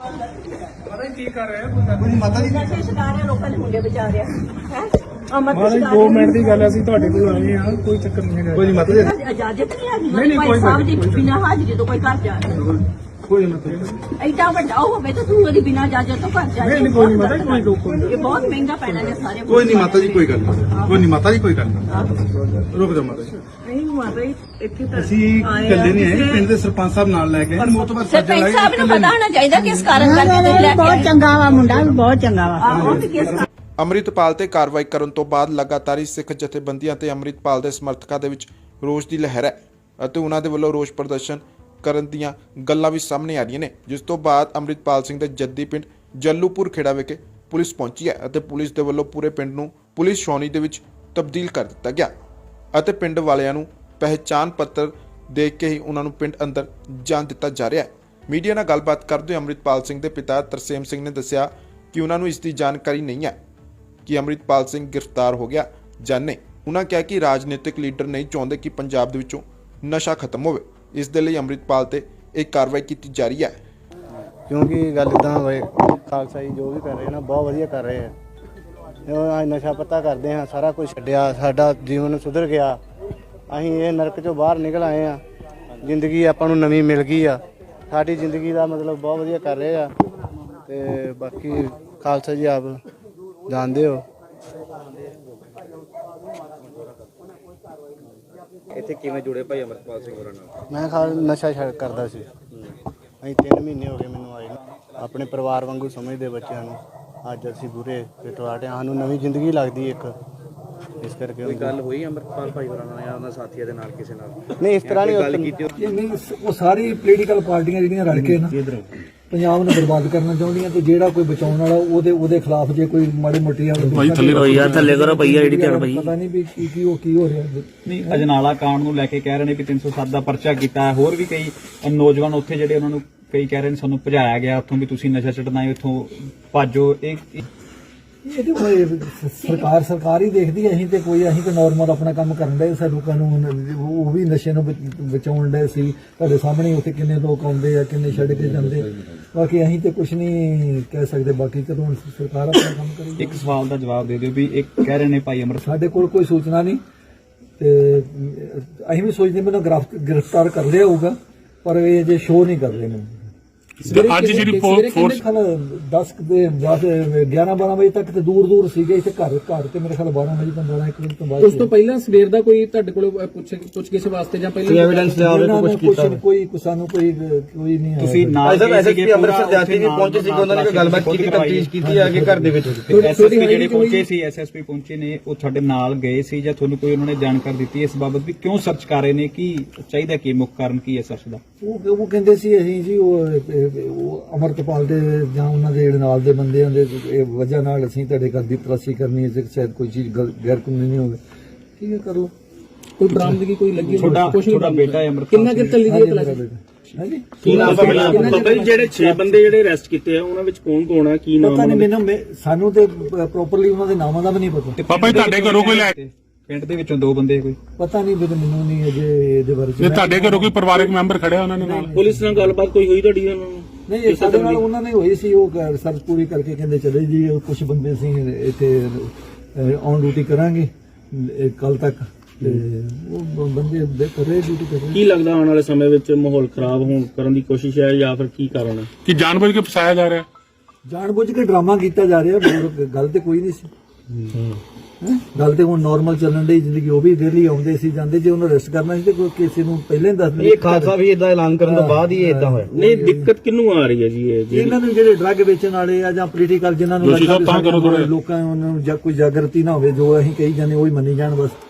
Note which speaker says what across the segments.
Speaker 1: ਪਤਾ ਕੀ ਕਰ ਰਿਹਾ ਕੋਈ ਮਾਤਾ ਜੀ
Speaker 2: ਨਸ਼ੇ ਛਡਾ ਰਹੇ ਲੋਕਾਂ ਦੇ ਮੁੰਡੇ ਬਚਾ ਰਿਹਾ ਹੈ
Speaker 1: ਮਾਤਾ ਜੀ 2 ਮਿੰਟ ਦੀ ਗੱਲ ਅਸੀਂ ਤੁਹਾਡੇ ਕੋਲ ਆਏ ਆ ਕੋਈ ਚੱਕਰ ਨਹੀਂ ਹੈਗਾ
Speaker 3: ਕੋਈ ਨਹੀਂ ਮਾਤਾ ਜੀ
Speaker 2: ਇਜਾਜ਼ਤ ਨਹੀਂ ਹੈਗੀ ਭਾਈ ਸਾਹਿਬ ਦੀ ਬਿਨਾਂ ਹਾਜ਼ਰੀ ਤੋਂ ਕੋਈ ਘਰ ਜਾ ਰਿਹਾ
Speaker 1: ਕੋਈ ਨਹੀਂ
Speaker 2: ਐਡਾ ਵੱਡਾ ਹੋਵੇ ਤਾਂ ਤੂੰ ਉਹਦੀ ਬਿਨਾਂ ਇਜਾਜ਼ਤ ਤੋਂ ਘਰ ਜਾ
Speaker 1: ਨਹੀਂ ਕੋਈ ਨਹੀਂ ਮਾਤਾ ਜੀ ਕੋਈ
Speaker 2: ਇਹ ਬਹੁਤ ਮਹਿੰਗਾ ਪੈਣਾ ਨੇ ਸਾਰੇ
Speaker 3: ਕੋਈ ਨਹੀਂ ਮਾਤਾ ਜੀ ਕੋਈ ਗੱਲ ਨਹੀਂ ਕੋਈ ਨਹੀਂ ਮਾਤਾ ਜੀ ਕੋਈ ਗੱਲ ਨਹੀਂ ਰੁਕ ਜਾ ਮਾਤਾ ਜੀ
Speaker 2: ਨਹੀਂ ਮਾਤਾ ਜੀ ਇੱਥੇ ਤਾਂ
Speaker 3: ਅਸੀਂ ਇਕੱਲੇ ਨਹੀਂ ਆਏ ਪਿੰਡ ਦੇ ਸਰਪੰਚ ਸਾਹਿਬ ਨਾਲ ਲੈ ਕੇ ਆਏ ਮੋਤਬਰ
Speaker 2: ਸਰਪੰਚ ਸਾਹਿਬ ਨੂੰ ਪਤਾ ਹੋਣਾ ਚਾਹੀਦਾ ਕਿਸ ਕਾਰਨ ਕਰਕੇ ਲੈ ਕੇ
Speaker 4: ਬਹੁਤ ਚੰਗਾ ਵਾ ਮੁੰਡਾ ਵੀ ਬਹੁਤ ਚੰਗਾ ਵਾ
Speaker 2: ਆਹੋ ਤੇ ਕਿਸ
Speaker 5: ਅੰਮ੍ਰਿਤਪਾਲ ਤੇ ਕਾਰਵਾਈ ਕਰਨ ਤੋਂ ਬਾਅਦ ਲਗਾਤਾਰ ਹੀ ਸਿੱਖ ਜਥੇਬੰਦੀਆਂ ਤੇ ਅੰਮ੍ਰਿਤਪਾਲ ਦੇ ਸਮਰਥਕਾਂ ਦੇ ਵਿੱਚ ਰੋਸ ਦੀ ਲਹਿਰ ਹੈ ਅਤੇ ਉਹਨਾਂ ਦੇ ਵੱਲੋਂ ਰੋਸ ਪ੍ਰਦਰਸ਼ਨ ਕਰਨ ਦੀਆਂ ਗੱਲਾਂ ਵੀ ਸਾਹਮਣੇ ਆ ਰਹੀਆਂ ਨੇ, ਜਿਸ ਤੋਂ ਬਾਅਦ ਅੰਮ੍ਰਿਤਪਾਲ ਸਿੰਘ ਦੇ ਜੱਦੀ ਪਿੰਡ ਜੱਲੂਪੁਰ ਖੇੜਾ ਵਿਖੇ ਪੁਲਿਸ ਪਹੁੰਚੀ ਹੈ ਅਤੇ ਪੁਲਿਸ ਦੇ ਵੱਲੋਂ ਪੂਰੇ ਪਿੰਡ ਨੂੰ ਪੁਲਿਸ ਛਾਉਣੀ ਦੇ ਵਿੱਚ ਤਬਦੀਲ ਕਰ ਦਿੱਤਾ ਗਿਆ ਅਤੇ ਪਿੰਡ ਵਾਲਿਆਂ ਨੂੰ ਪਹਿਚਾਣ ਪੱਤਰ ਦੇ ਕੇ ਹੀ ਉਹਨਾਂ ਨੂੰ ਪਿੰਡ ਅੰਦਰ ਜਾਣ ਦਿੱਤਾ ਜਾ ਰਿਹਾ ਹੈ। ਮੀਡੀਆ ਨਾਲ ਗੱਲਬਾਤ ਕਰਦੇ ਹੋਏ ਅੰਮ੍ਰਿਤਪਾਲ ਸਿੰਘ ਦੇ ਪਿਤਾ ਤਰਸੇਮ ਸਿੰਘ ਨੇ ਦੱਸਿਆ ਕਿ ਉਹਨਾਂ ਨੂੰ ਇਸ ਦੀ ਜਾਣਕਾਰੀ ਨਹੀਂ ਹੈ ਕਿ ਅੰਮ੍ਰਿਤਪਾਲ ਸਿੰਘ ਗ੍ਰਿਫਤਾਰ ਹੋ ਗਿਆ ਜਾਂ ਨਹੀਂ। ਉਹਨਾਂ ਕਿਹਾ ਕਿ ਰਾਜਨੀਤਿਕ ਲੀਡਰ ਨਹੀਂ ਚਾਹੁੰਦੇ ਕਿ ਪੰਜਾਬ ਦੇ ਵਿੱਚੋਂ ਨਸ਼ਾ ਖਤਮ ਹੋਵੇ, ਇਸ ਦੇ ਲਈ ਅੰਮ੍ਰਿਤਪਾਲ ਤੇ ਇਹ ਕਾਰਵਾਈ ਕੀਤੀ ਜਾ ਰਹੀ ਹੈ।
Speaker 6: ਕਿਉਂਕਿ ਗੱਲ ਇਦਾਂ ਹੋਏ ਖਾਲਸਾ ਜੀ ਜੋ ਵੀ ਕਰ ਰਹੇ ਨਾ ਬਹੁਤ ਵਧੀਆ ਕਰ ਰਹੇ ਆ। ਨਸ਼ਾ ਪੱਤਾ ਕਰਦੇ ਹਾਂ, ਸਾਰਾ ਕੁਝ ਛੱਡਿਆ, ਸਾਡਾ ਜੀਵਨ ਸੁਧਰ ਗਿਆ, ਅਸੀਂ ਇਹ ਨਰਕ ਚੋਂ ਬਾਹਰ ਨਿਕਲ ਆਏ ਆ, ਜ਼ਿੰਦਗੀ ਆਪਾਂ ਨੂੰ ਨਵੀਂ ਮਿਲ ਗਈ ਆ, ਸਾਡੀ ਜ਼ਿੰਦਗੀ ਦਾ ਮਤਲਬ ਬਹੁਤ ਵਧੀਆ ਕਰ ਰਹੇ ਆ। ਤੇ ਬਾਕੀ ਖਾਲਸਾ ਜੀ ਆਪ ਜਾਣਦੇ ਹੋ।
Speaker 3: ਇੱਥੇ ਕਿਵੇਂ ਜੁੜੇ ਭਾਈ ਅੰਮ੍ਰਿਤਪਾਲ ਸਿੰਘ ਹੋਰਾਂ ਨਾਲ?
Speaker 6: ਮੈਂ ਨਸ਼ਾ ਛੱਡ ਕਰਦਾ ਸੀ, ਅਸੀਂ 3 ਮਹੀਨੇ ਹੋ ਗਏ ਮੈਨੂੰ ਆਏ ਨੂੰ। ਆਪਣੇ ਪਰਿਵਾਰ ਵਾਂਗੂ ਸਮਝਦੇ ਬੱਚਿਆਂ ਨੂੰ, ਅੱਜ ਅਸੀਂ ਬੁਰੇ ਪਿਟਵਾਟੇ ਸਾਨੂੰ ਨਵੀਂ ਜ਼ਿੰਦਗੀ ਲੱਗਦੀ ਇੱਕ, ਇਸ ਕਰਕੇ
Speaker 3: ਕੋਈ ਗੱਲ ਹੋਈ ਅੰਮ੍ਰਿਤਪਾਲ ਭਾਈ ਹੋਰਾਂ ਨਾਲ ਜਾਂ ਉਹਨਾਂ ਸਾਥੀਆਂ ਦੇ ਨਾਲ ਕਿਸੇ ਨਾਲ?
Speaker 6: ਨਹੀਂ ਇਸ ਤਰ੍ਹਾਂ
Speaker 3: ਗੱਲ
Speaker 6: ਨਹੀਂ
Speaker 3: ਕੀਤੀ
Speaker 1: ਉਹ ਸਾਰੀ ਪੋਲੀਟੀਕਲ ਪਾਰਟੀਆਂ ਜਿਹੜੀਆਂ ਰਲ ਕੇ ਨਾ ਪੰਜਾਬ ਨੂੰ ਬਰਬਾਦ ਕਰਨਾ ਚਾਹੁੰਦੀਆਂ ਤੇ ਜਿਹੜਾ ਕੋਈ ਬਚਾਉਣ ਵਾਲਾ ਉਹਦੇ ਖਿਲਾਫ ਜੇ ਕੋਈ ਮਾੜੀ ਮੋਟੀ
Speaker 7: ਭਾਈ ਥੱਲੇ ਰਹੋ ਯਾਰ, ਥੱਲੇ ਕਰੋ ਭਈਆ ਜਿਹੜੀ ਧਿਆਨ ਭਾਈ।
Speaker 1: ਪਤਾ ਨਹੀਂ ਵੀ ਕੀ ਹੋ ਰਿਹਾ
Speaker 7: ਨਹੀਂ ਅਜਨਾਲਾ ਕਾਂਡ ਨੂੰ ਲੈ ਕੇ ਕਹਿ ਰਹੇ ਨੇ ਵੀ 307 ਦਾ ਪਰਚਾ ਕੀਤਾ ਹੈ। ਹੋਰ ਵੀ ਕਈ ਨੌਜਵਾਨ ਉੱਥੇ ਜਿਹੜੇ ਉਹਨਾਂ ਨੂੰ ਕਈ ਕਹਿ ਰਹੇ ਨੇ ਸਾਨੂੰ ਭਜਾਇਆ ਗਿਆ ਉੱਥੋਂ ਵੀ ਤੁਸੀਂ ਨਸ਼ਾ ਛੱਡਣਾ ਹੈ, ਉੱਥੋਂ ਭਾਜੋ।
Speaker 1: ਇਹਦੇ ਕੋਈ ਸਰਕਾਰ ਹੀ ਦੇਖਦੀ ਹੈ। ਅਸੀਂ ਤੇ ਨਾਰਮਲ ਆਪਣਾ ਕੰਮ ਕਰਨ ਦੇ ਸਾਡੇ ਲੋਕਾਂ ਨੂੰ ਉਹ ਵੀ ਨਸ਼ੇ ਨੂੰ ਬਚਾਉਣ ਦੇ ਸੀ। ਤੁਹਾਡੇ ਸਾਹਮਣੇ ਉੱਥੇ ਕਿੰਨੇ ਲੋਕ ਆਉਂਦੇ ਆ, ਕਿੰਨੇ ਛੱਡ ਕੇ ਜਾਂਦੇ। ਬਾਕੀ ਅਸੀਂ ਤੇ ਕੁਝ ਨਹੀਂ ਕਹਿ ਸਕਦੇ, ਬਾਕੀ ਕਦੋਂ ਸਰਕਾਰ ਆਪਣਾ ਕੰਮ ਕਰੇਗੀ।
Speaker 7: ਇੱਕ ਸਵਾਲ ਦਾ ਜਵਾਬ ਦੇ ਦਿਓ ਵੀ ਇੱਕ ਕਹਿ ਰਹੇ ਨੇ ਭਾਈ ਅਮਰ
Speaker 1: ਸਾਡੇ ਕੋਲ ਕੋਈ ਸੂਚਨਾ ਨਹੀਂ ਤੇ ਅਸੀਂ ਵੀ ਸੋਚਦੇ ਮੈਨੂੰ ਗ੍ਰਿਫਤਾਰ ਕਰ ਲਿਆ ਹੋਊਗਾ, ਪਰ ਇਹ ਜੇ ਸ਼ੋਅ ਨਹੀਂ ਕਰ ਰਹੇ ਨੇ।
Speaker 8: ਅੱਜ ਜਿਹੜੀ ਫੋਰਸ
Speaker 1: 10 ਦੇ 11-12 ਵਜੇ ਤੱਕ ਤੇ ਦੂਰ ਸੀਗੇ। ਇੱਥੇ ਘਰ ਤੇ ਮੇਰੇ ਖਿਆਲ 12 ਵਜੇ ਤੋਂ 12 1 ਵਜੇ ਤੋਂ ਬਾਅਦ।
Speaker 9: ਉਸ ਤੋਂ ਪਹਿਲਾਂ ਸਵੇਰ ਦਾ ਕੋਈ ਤੁਹਾਡੇ ਕੋਲ ਪੁੱਛ ਵਾਸਤੇ ਜਾਂ ਪਹਿਲਾਂ
Speaker 6: ਐਵੀਡੈਂਸ ਲਿਆਵੇ ਕੁਝ ਕੀਤਾ
Speaker 1: ਕੋਈ ਸਾਨੂੰ ਕੋਈ ਨਹੀਂ ਆਇਆ।
Speaker 7: ਤੁਸੀਂ ਨਾਲ
Speaker 6: ਐਸਐਸਪੀ ਅੰਮ੍ਰਿਤਸਰ ਜਾਤੀ ਵੀ ਪਹੁੰਚੇ ਸੀ, ਉਹਨਾਂ ਨੇ ਕੋਈ ਗੱਲਬਾਤ ਕੀਤੀ, ਤਫਤੀਸ਼ ਕੀਤੀ ਆ ਕੇ ਘਰ ਦੇ ਵਿੱਚ।
Speaker 7: ਐਸਐਸਪੀ ਜਿਹੜੇ ਪਹੁੰਚੇ ਸੀ, ਐਸਐਸਪੀ ਪਹੁੰਚੇ ਨੇ, ਉਹ ਤੁਹਾਡੇ ਨਾਲ ਗਏ ਸੀ ਜਾਂ ਤੁਹਾਨੂੰ ਕੋਈ ਉਹਨਾਂ ਨੇ ਜਾਣਕਾਰੀ ਦਿੱਤੀ ਇਸ ਬਾਬਤ ਵੀ ਕਿਉਂ ਸਰਚ ਕਰ ਰਹੇ ਨੇ, ਕੀ ਚਾਹੀਦਾ, ਕੀ ਮੁੱਖ ਕਾਰਨ ਕੀ ਹੈ ਸਰਚ ਦਾ?
Speaker 1: ਉਹ ਕਹਿੰਦੇ ਸੀ ਅਸੀਂ ਜੀ ਉਹ ਅਮਰਤਪਾਲ ਦੇ ਜਾਂ ਉਹਨਾਂ ਦੇ ਨਾਲ ਦੇ ਬੰਦਿਆਂ ਦੇ ਵਜ੍ਹਾ ਨਾਲ ਅਸੀਂ ਤੁਹਾਡੇ ਘਰ ਦੀ ਤਲਾਸ਼ੀ ਕਰਨੀ ਹੈ, ਸ਼ਾਇਦ ਕੋਈ ਚੀਜ਼ ਗੈਰ ਕਾਨੂੰਨੀ ਨਹੀਂ ਹੋਵੇ। ਠੀਕ ਹੈ, ਕਰ ਲਓ।
Speaker 9: ਕੋਈ ਬਰਾਮਦਗੀ ਕੋਈ ਲੱਗੀ?
Speaker 7: ਛੋਟਾ ਬੇਟਾ ਹੈ ਅਮਰਤਪਾਲ।
Speaker 9: ਕਿੰਨਾ ਚਿਰ ਚੱਲੀ ਦੀ ਤਲਾਸ਼ੀ?
Speaker 1: ਹਾਂਜੀ,
Speaker 8: ਕੀ ਨਾਮ ਹੈ ਜਿਹੜੇ 6 ਬੰਦੇ ਜਿਹੜੇ ਅਰੈਸਟ ਕੀਤੇ ਆ ਉਹਨਾਂ ਵਿੱਚ ਕੌਣ ਆ, ਕੀ ਨਾਮ?
Speaker 1: ਪਤਾ ਨਹੀਂ ਮੈਨੂੰ, ਸਾਨੂੰ ਤੇ ਪ੍ਰੋਪਰਲੀ ਉਹਨਾਂ ਦੇ ਨਾਮਾਂ ਦਾ ਵੀ ਨਹੀਂ ਪਤਾ।
Speaker 8: ਪਾਪਾ ਜੀ ਤੁਹਾਡੇ ਘਰੋਂ ਕੋਈ ਲੈ
Speaker 7: ਪਿੰਡ ਦੇ ਵਿੱਚੋਂ 2 ਬੰਦੇ ਕੋਈ
Speaker 1: ਪਤਾ ਨਹੀਂ, ਮੈਨੂੰ ਨਹੀਂ ਅਜੇ ਇਹਦੇ ਬਾਰੇ।
Speaker 8: ਜੇ ਤੁਹਾਡੇ ਘਰੋਂ ਕੋਈ ਪਰਿਵਾਰਕ ਮੈਂਬਰ ਖੜਿਆ ਉਹਨਾਂ ਦੇ ਨਾਲ?
Speaker 9: ਪੁਲਿਸ ਨਾਲ ਗੱਲਬਾਤ ਕੋਈ ਹੋਈ ਤੁਹਾਡੀ ਉਹਨਾਂ ਨੂੰ?
Speaker 1: ਨਹੀਂ, ਸਾਡੇ ਨਾਲ ਉਹਨਾਂ ਨੇ ਹੋਈ ਸੀ। ਉਹ ਰਿਸਰਚ ਪੂਰੀ ਕਰਕੇ ਕਹਿੰਦੇ ਚਲੇ ਜੀ ਕੁਝ ਬੰਦੇ ਸੀ ਇੱਥੇ ਔਨ ਡਿਊਟੀ ਕਰਾਂਗੇ ਕੱਲ ਤੱਕ, ਤੇ ਉਹ ਬੰਦੇ ਕਰ ਰਹੇ ਡਿਊਟੀ ਕਰ ਰਹੇ।
Speaker 9: ਕੀ ਲੱਗਦਾ ਆਉਣ ਵਾਲੇ ਸਮੇਂ ਵਿੱਚ ਮਾਹੌਲ ਖਰਾਬ ਹੋਣ ਕਰਨ ਦੀ ਕੋਸ਼ਿਸ਼ ਹੈ ਜਾਂ ਫਿਰ ਕੀ ਕਾਰਨ ਹੈ?
Speaker 8: ਕਿ ਜਾਣਬੁੱਝ ਕੇ ਫਸਾਇਆ ਜਾ ਰਿਹਾ?
Speaker 1: ਜਾਣਬੁੱਝ ਕੇ ਡਰਾਮਾ ਕੀਤਾ ਜਾ ਰਿਹਾ, ਗੱਲ ਤੇ ਕੋਈ ਨਹੀਂ ਸੀ। ਗੱਲ ਤੇ ਹੁਣ ਨਾਰਮਲ ਚੱਲਣ ਦੀ ਜ਼ਿੰਦਗੀ। ਉਹ ਵੀ ਡੇਲੀ ਆਉਂਦੇ ਸੀ ਜਾਂਦੇ, ਜੇ ਉਹਨੂੰ ਅਰੈਸਟ ਕਰਨਾ ਸੀ ਤੇ ਕੋਈ ਕਿਸੇ ਨੂੰ ਪਹਿਲਾਂ ਹੀ ਦੱਸ ਦਿੰਦੇ।
Speaker 6: ਇਹ ਖਾਲਸਾ ਵੀ ਇਦਾਂ ਐਲਾਨ ਕਰਨ ਤੋਂ ਬਾਅਦ ਹੀ ਇਦਾਂ ਹੋਇਆ।
Speaker 9: ਨਹੀਂ, ਦਿੱਕਤ ਕਿਹਨੂੰ ਆ ਰਹੀ ਹੈ ਜੀ?
Speaker 1: ਇਹਨਾਂ ਨੂੰ ਜਿਹੜੇ ਡਰੱਗ ਵੇਚਣ ਵਾਲੇ ਆ ਜਾਂ ਪੋਲੀਟੀਕਲ ਜਿਨ੍ਹਾਂ ਨੂੰ ਲੋਕਾਂ ਨੂੰ ਜਾਂ ਕੋਈ ਜਾਗਰਤੀ ਨਾ ਹੋਵੇ, ਜੋ ਅਸੀਂ ਕਹੀ ਜਾਂਦੇ ਉਹੀ ਮੰਨੀ ਜਾਣ ਬਸ।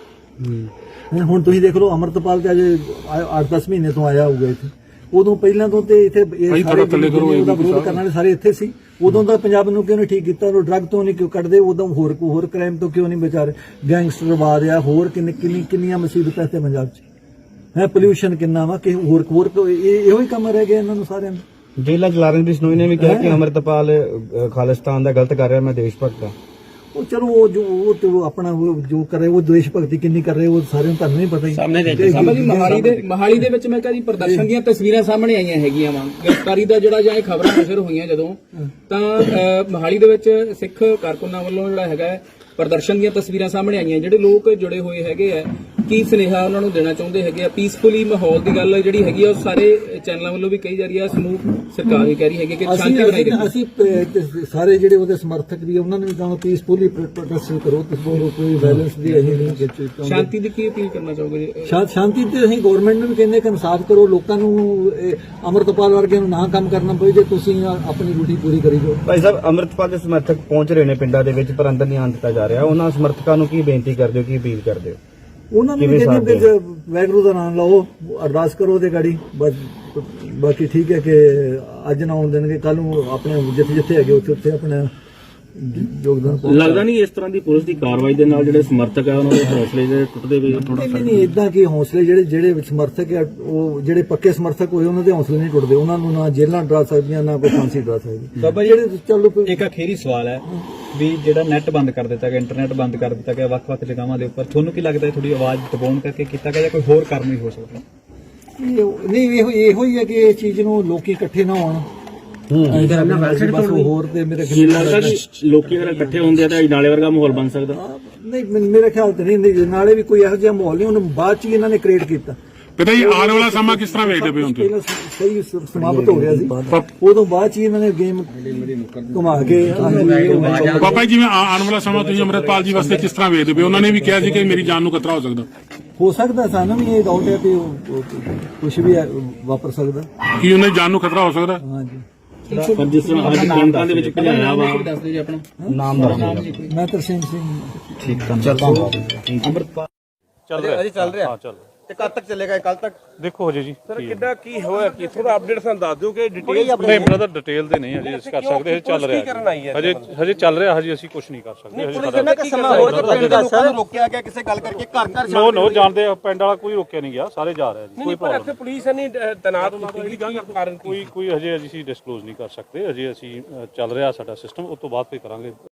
Speaker 1: ਹੁਣ ਤੁਸੀਂ ਦੇਖ ਲਓ, ਅਮਰਤਪਾਲ ਤੇ ਅਜੇ 8-10 ਮਹੀਨੇ ਤੋਂ ਆਇਆ ਹੋਊਗਾ ਇੱਥੇ। ਉਦੋਂ ਪਹਿਲਾਂ ਤੋਂ ਤੇ ਇੱਥੇ ਉਹਦਾ ਵਿਰੋਧ ਕਰਨ ਵਾਲੇ ਸਾਰੇ ਇੱਥੇ ਸੀ। ਉਦੋਂ ਦਾ ਪੰਜਾਬ ਨੂੰ ਕਿਉਂ ਨਹੀਂ ਠੀਕ ਕੀਤਾ? ਉਹ ਡਰੱਗ ਤੋਂ ਨਹੀਂ ਕਿਉਂ ਕੱਢਦੇ? ਉਦੋਂ ਹੋਰ ਕ੍ਰਾਈਮ ਤੋਂ ਕਿਉਂ ਨਹੀਂ ਵਿਚਾਰੇ? ਗੈਂਗਸਟਰਵਾਦ ਆ, ਹੋਰ ਕਿੰਨੀਆਂ ਮੁਸੀਬਤਾਂ ਇੱਥੇ ਪੰਜਾਬ 'ਚ ਹੈ। ਪੋਲਿਊਸ਼ਨ ਕਿੰਨਾ ਵਾ ਕਿ ਹੋਰ ਇਹੋ ਹੀ ਕੰਮ ਰਹਿ ਗਿਆ ਇਹਨਾਂ ਨੂੰ ਸਾਰਿਆਂ ਨੂੰ।
Speaker 6: ਜੇਲਾ ਜਲਾਰਨ ਬਿਸ਼ਨੋਈ ਨੇ ਵੀ ਕਿਹਾ ਕਿ ਅੰਮ੍ਰਿਤਪਾਲ ਖਾਲਿਸਤਾਨ ਦਾ ਗਲਤ ਕਰ ਰਿਹਾ, ਮੈਂ ਦੇਸ਼ ਭਗਤ ਹਾਂ।
Speaker 1: ਉਹ ਚਲੋ ਉਹ ਤੇ ਉਹ ਆਪਣਾ ਉਹ ਜੋ ਕਰ ਰਹੇ ਉਹ ਦੇਸ਼ ਭਗਤੀ ਕਿੰਨੀ ਕਰ ਰਹੇ ਉਹ ਸਾਰਿਆਂ ਨੂੰ ਤੁਹਾਨੂੰ ਨਹੀਂ ਪਤਾ ਹੀ
Speaker 10: ਸਾਹਮਣੇ ਜੀ ਮੋਹਾਲੀ ਦੇ ਵਿੱਚ ਮੈਂ ਕਿਹਾ ਜੀ ਪ੍ਰਦਰਸ਼ਨ ਦੀਆਂ ਤਸਵੀਰਾਂ ਸਾਹਮਣੇ ਆਈਆਂ ਹੈਗੀਆਂ ਵਾ ਗ੍ਰਿਫਤਾਰੀ ਦਾ ਜਿਹੜਾ ਜਾਂ ਇਹ ਖਬਰਾਂ ਨਸ਼ਰ ਹੋਈਆਂ ਜਦੋਂ ਤਾਂ ਮੋਹਾਲੀ ਦੇ ਵਿੱਚ ਸਿੱਖ ਕਾਰਕੁਨਾਂ ਵੱਲੋਂ ਜਿਹੜਾ ਹੈਗਾ ਪ੍ਰਦਰਸ਼ਨ ਦੀਆਂ ਤਸਵੀਰਾਂ ਸਾਹਮਣੇ ਆਈਆਂ ਜਿਹੜੇ ਲੋਕ ਜੁੜੇ ਹੋਏ ਹੈਗੇ ਆ ਕੀ ਸੁਨੇਹਾ ਉਹਨਾਂ ਨੂੰ ਦੇਣਾ ਚਾਹੁੰਦੇ ਹੈਗੇ ਆ ਪੀਸਫੁਲੀ ਮਾਹੌਲ ਦੀ ਗੱਲ ਜਿਹੜੀ ਹੈਗੀ ਆ ਉਹ ਸਾਰੇ ਚੈਨਲਾਂ ਵੱਲੋਂ ਵੀ ਕਹੀ ਜਾ ਰਹੀ ਆ ਸਮੂਹ ਸਰਕਾਰ ਵੀ ਕਹਿ ਰਹੀ ਹੈਗੀ ਕਿ ਸ਼ਾਂਤੀ ਬਣਾਈ ਰੱਖੋ
Speaker 1: ਅਸੀਂ ਸਾਰੇ ਜਿਹੜੇ ਉਹਦੇ ਸਮਰਥਕ ਵੀ ਉਹਨਾਂ ਨੂੰ ਵੀ ਕਹਾਂਗੇ ਪੀਸਫੁਲੀ ਪ੍ਰੋਟੈਸਟ ਕਰੋ ਤੁਸੀਂ ਕੋਈ ਵਾਇਲੈਂਸ ਦੀ ਅਸੀਂ ਨਹੀਂ ਚਾਹੁੰਦੇ
Speaker 10: ਸ਼ਾਂਤੀ ਦੀ ਕੀ ਅਪੀਲ ਕਰਨਾ ਚਾਹੋਗੇ ਜੀ
Speaker 1: ਸ਼ਾਂਤੀ ਤੇ ਅਸੀਂ ਗਵਰਨਮੈਂਟ ਨੂੰ ਵੀ ਕਹਿੰਦੇ ਕਿ ਇਨਸਾਫ ਕਰੋ ਲੋਕਾਂ ਨੂੰ ਅਮਰਤਪਾਲ ਵਰਗਿਆਂ ਨੂੰ ਨਾ ਕੰਮ ਕਰਨਾ ਪਵੇ ਜੇ ਤੁਸੀਂ ਆਪਣੀ ਡਿਊਟੀ ਪੂਰੀ ਕਰੀ ਜਾਓ।
Speaker 6: ਭਾਈ ਸਾਹਿਬ ਅੰਮ੍ਰਿਤਪਾਲ ਦੇ ਸਮਰਥਕ ਪਹੁੰਚ ਰਹੇ ਨੇ ਪਿੰਡਾਂ ਦੇ ਵਿੱਚ ਪਰ ਅੰਦਰ ਨਹੀਂ ਆਉਣ ਦਿੱਤਾ ਜਾ ਰਿਹਾ ਉਹਨਾਂ ਸਮਰਥਕਾਂ ਨੂੰ ਕੀ ਬੇਨਤੀ ਕਰਦੇ ਹੋ ਕੀ ਅਪੀਲ ਕਰਦੇ ਹੋ?
Speaker 1: ਉਹਨਾਂ ਨੂੰ ਵੀ ਕਹਿੰਦੇ ਕਿ ਵਾਹਿਗੁਰੂ ਦਾ ਨਾਮ ਲਓ ਅਰਦਾਸ ਕਰੋ ਉਹਦੇ ਗਾੜੀ ਬਸ ਬਾਕੀ ਠੀਕ ਹੈ ਕਿ ਅੱਜ ਨਾ ਆਉਣ ਦੇਣਗੇ ਕੱਲ ਨੂੰ ਆਪਣੇ ਜਿੱਥੇ ਹੈਗੇ ਉੱਥੇ ਆਪਣਾ ਯੋਗਦਾਨ ਪਾਓ।
Speaker 8: ਲੱਗਦਾ ਨਹੀਂ ਇਸ ਤਰ੍ਹਾਂ ਦੀ ਪੁਲਿਸ ਦੀ ਕਾਰਵਾਈ ਦੇ ਨਾਲ ਜਿਹੜੇ ਸਮਰਥਕ ਆ ਉਹਨਾਂ ਦੇ ਹੌਸਲੇ ਜਿਹੜੇ ਟੁੱਟਦੇ ਪਏ ਥੋੜਾ
Speaker 1: ਨਹੀਂ ਇਦਾਂ ਕਿ ਹੌਸਲੇ ਜਿਹੜੇ ਸਮਰਥਕ ਆ ਉਹ ਜਿਹੜੇ ਪੱਕੇ ਸਮਰਥਕ ਹੋਏ ਉਹਨਾਂ ਦੇ ਹੌਸਲੇ ਨਹੀਂ ਟੁੱਟਦੇ ਉਹਨਾਂ ਨੂੰ ਨਾ ਜੇਲ੍ਹਾਂ ਡਰਾ ਸਕਦੀਆਂ ਨਾ ਕੋਈ ਫਾਂਸੀ ਡਰਾ ਸਕਦੀ।
Speaker 7: ਬਾਬਾ ਜਿਹੜੇ ਚਲੋ ਇੱਕ ਅਖੀਰੀ ਸਵਾਲ ਹੈ ਵੀ ਜਿਹੜਾ ਨੈਟ ਬੰਦ ਕਰ ਦਿੱਤਾ ਗਿਆ ਇੰਟਰਨੈਟ ਬੰਦ ਕਰ ਦਿੱਤਾ ਗਿਆ ਵੱਖ-ਵੱਖ ਜਗ੍ਹਾਵਾਂ ਦੇ ਉੱਪਰ ਤੁਹਾਨੂੰ ਕੀ ਲੱਗਦਾ ਥੋੜੀ ਆਵਾਜ਼ ਦਬਾਉਣ ਕਰਕੇ ਕੀਤਾ ਗਿਆ ਜਾਂ ਕੋਈ ਹੋਰ ਕਾਰਨ ਵੀ ਹੋ ਸਕਦਾ?
Speaker 1: ਨਹੀਂ ਇਹੋ ਹੀ ਹੈ ਕਿ ਇਹ ਚੀਜ਼ ਨੂੰ ਲੋਕੀ ਇਕੱਠੇ ਨਾ ਹੋਣ ਬਸ ਹੋਰ ਤੇ ਮੇਰੇ ਖਿਆਲ
Speaker 8: ਲੋਕੀ ਅਗਰ ਇਕੱਠੇ ਹੁੰਦੇ ਆ ਤਾਂ ਨਾਲੇ ਵਰਗਾ ਮਾਹੌਲ ਬਣ ਸਕਦਾ
Speaker 1: ਨਹੀਂ ਮੇਰੇ ਖਿਆਲ ਤੇ ਨਹੀਂ ਨਾਲੇ ਵੀ ਕੋਈ ਇਹੋ ਜਿਹਾ ਮਾਹੌਲ ਨਹੀਂ ਉਹਨੂੰ ਬਾਅਦ ਚ ਇਹਨਾਂ ਨੇ ਕ੍ਰੀਏਟ ਕੀਤਾ।
Speaker 3: ਪਤਾ ਜੀ ਆਉਣ ਵਾਲਾ ਸਮਾਂ ਕਿਸ ਤਰ੍ਹਾਂ ਵੇਖਦੇ ਪਏ ਹੋ ਤੁਸੀਂ?
Speaker 1: ਸਹੀ ਸਮਾਪਤ ਹੋ ਗਿਆ ਸੀ ਉਦੋਂ ਬਾਅਦ ਚ ਇਹਨਾਂ ਨੇ ਗੇਮ ਘੁਮਾ ਕੇ
Speaker 3: ਬਾਬਾ ਜੀ ਜਿਵੇਂ ਆਉਣ ਵਾਲਾ ਸਮਾਂ ਤੁਸੀਂ ਅੰਮ੍ਰਿਤਪਾਲ ਜੀ ਵਾਸਤੇ ਕਿਸ ਤਰ੍ਹਾਂ ਵੇਖਦੇ ਪਏ? ਉਹਨਾਂ ਨੇ ਵੀ ਕਿਹਾ ਸੀ ਕਿ ਮੇਰੀ ਜਾਨ ਨੂੰ ਖਤਰਾ ਹੋ ਸਕਦਾ।
Speaker 1: ਹੋ ਸਕਦਾ ਸਾਨੂੰ ਵੀ ਇਹ ਡਾਊਟ ਹੈ ਕਿ ਕੁਝ ਵੀ ਵਾਪਰ ਸਕਦਾ।
Speaker 3: ਕੀ ਉਹਨਾਂ ਦੀ ਜਾਨ ਨੂੰ ਖਤਰਾ ਹੋ ਸਕਦਾ?
Speaker 1: ਹਾਂਜੀ
Speaker 8: ਪਰ ਜਿਸ ਤਰ੍ਹਾਂ ਅੱਜ ਕੈਂਪਾਂ ਦੇ ਵਿੱਚ ਭਜਾਇਆ ਵਾ
Speaker 10: ਦੱਸ ਦਿਓ ਜੀ ਆਪਣਾ
Speaker 6: ਨਾਮ
Speaker 1: ਮੈਂ ਤਰਸੇਮ ਸਿੰਘ
Speaker 7: ਠੀਕ ਧੰਨਵਾਦ।
Speaker 10: ਅੰਮ੍ਰਿਤਪਾਲ
Speaker 6: ਚੱਲ ਰਿਹਾ ਤੇ ਕਦ ਤੱਕ ਚੱਲੇਗਾ ਕੱਲ ਤੱਕ?
Speaker 3: ਦੇਖੋ ਹਜੇ ਜੀ
Speaker 11: ਸਰ ਕਿੱਦਾਂ ਕੀ ਹੋਇਆ ਕਿ ਥੋੜਾ ਅਪਡੇਟ ਸਾਨੂੰ ਦੱਸ ਦਿਓ ਕਿ ਡਿਟੇਲ
Speaker 3: ਨਹੀਂ ਬ੍ਰਦਰ ਡਿਟੇਲ ਦੇ ਨਹੀਂ ਹਜੇ ਅਸੀਂ ਕਰ ਸਕਦੇ ਹਜੇ ਚੱਲ ਰਿਹਾ ਹਜੇ ਚੱਲ ਰਿਹਾ ਹਜੇ ਅਸੀਂ ਕੁਝ ਨਹੀਂ ਕਰ ਸਕਦੇ ਹਜੇ
Speaker 6: ਸਮਾਂ ਰੋਕਿਆ ਗਿਆ ਕਿਸੇ ਗੱਲ ਕਰਕੇ ਘਰ
Speaker 3: ਨੋ ਜਾਣਦੇ ਪਿੰਡ ਵਾਲਾ ਕੋਈ ਰੋਕਿਆ ਨਹੀਂ ਗਿਆ ਸਾਰੇ ਜਾ ਰਹੇ ਜੀ ਕੋਈ
Speaker 11: ਪਰ ਇੱਥੇ ਪੁਲਿਸ ਨਹੀਂ ਤੈਨਾਤ ਕੀਤੀ ਕਾਰਨ
Speaker 3: ਕੋਈ ਹਜੇ ਅਸੀਂ ਡਿਸਕਲੋਜ਼ ਨਹੀਂ ਕਰ ਸਕਦੇ ਹਜੇ ਅਸੀਂ ਚੱਲ ਰਿਹਾ ਸਾਡਾ ਸਿਸਟਮ ਉਸ ਤੋਂ ਬਾਅਦ ਫਿਰ ਕਰਾਂਗੇ।